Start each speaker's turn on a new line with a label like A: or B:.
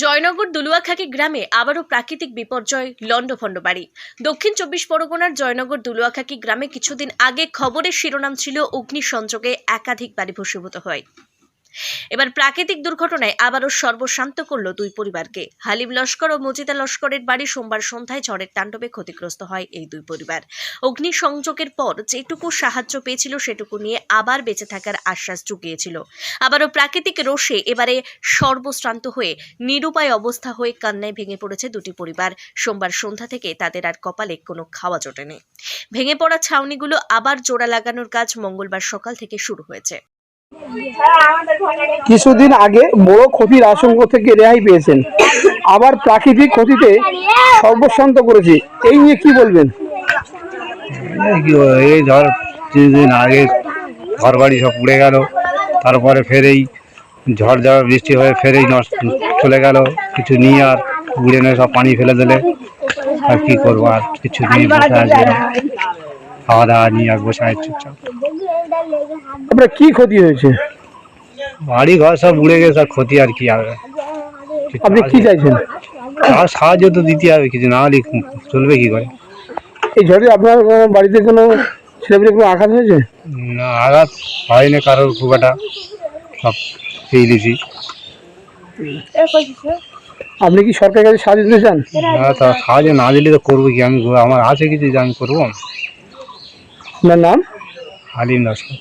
A: জয়নগর দুলুয়াখাকি গ্রামে আবারও প্রাকৃতিক বিপর্যয় লন্ডভন্ড বাড়ি। দক্ষিণ 24 পরগনার জয়নগর দুলুয়াখাকি গ্রামে কিছুদিন আগে খবরের শিরোনাম ছিল অগ্নিসংযোগে একাধিক বাড়ি ভস্মীভূত হয়। এবার প্রাকৃতিক দুর্ঘটনায় আবারও সর্বশান্ত করল দুই পরিবারকে। হালিম লস্কর ও মজিদা লস্করের বাড়ি সোমবার সন্ধ্যায় ঝড়ের তাণ্ডবে ক্ষতিগ্রস্ত হয় এই দুই পরিবার। অগ্নিসংযোগের পর যেটুকু সাহায্য পেয়েছিল সেটুকু নিয়ে আবার বেঁচে থাকার আশ্বাস জুগিয়েছিল। আবারও প্রাকৃতিক রোষে এবারে সর্বশ্রান্ত হয়ে নিরুপায় অবস্থা হয়ে কান্নায় ভেঙে পড়েছে দুটি পরিবার। সোমবার সন্ধ্যা থেকে তাদের আর কপালে কোনো খাওয়া জোটেনি। ভেঙে পড়া ছাউনিগুলো আবার জোড়া লাগানোর কাজ মঙ্গলবার সকাল থেকে শুরু হয়েছে।
B: কিছুদিন আগে বড় ক্ষতির আশঙ্কা থেকে রেহাই পেয়েছেন, আবার প্রাকৃতিক ক্ষতিতে সর্বশান্ত করেছে, এই নিয়ে কি বলবেন?
C: এই ধর কিছুদিন আগে ঘর বাড়ি সব উড়ে গেল, তারপরে ফের এই ঝড় ঝড় বৃষ্টি হয়ে ফের এই নষ্ট চলে গেল। কিছু নিয়ে আর উড়ে নিয়ে সব পানি ফেলে দিলে আর কি করবো, আর কিছু নিয়ে বসে আছে, খাওয়া দাওয়া নিয়ে আর বসে আছে চুপচাপ।
B: আপনার কি ক্ষতি হয়েছে?
C: বাড়ি ঘর সব উড়ে গেছে, আর ক্ষতি আর কি হবে।
B: আপনি কি চাইছেন?
C: আর সাহায্য তো দিতে হবে, কিছু না হলে চলবে কি করে।
B: এই ঝড়ে আপনার বাড়িতে কোনো ছেলেমেয়ে কোনো আঘাত হয়েছে?
C: না, আঘাত হয়নি কারোর, খুব একটা সব পেয়ে দিয়েছি।
B: আপনি কি সরকারের কাছে সাহায্য দিতে চান?
C: না, তা সাহায্য না দিলে তো করবো কি, আমি আমার আছে কিছু যে আমি করবো।
B: আপনার নাম?
C: হালিম লস্কর।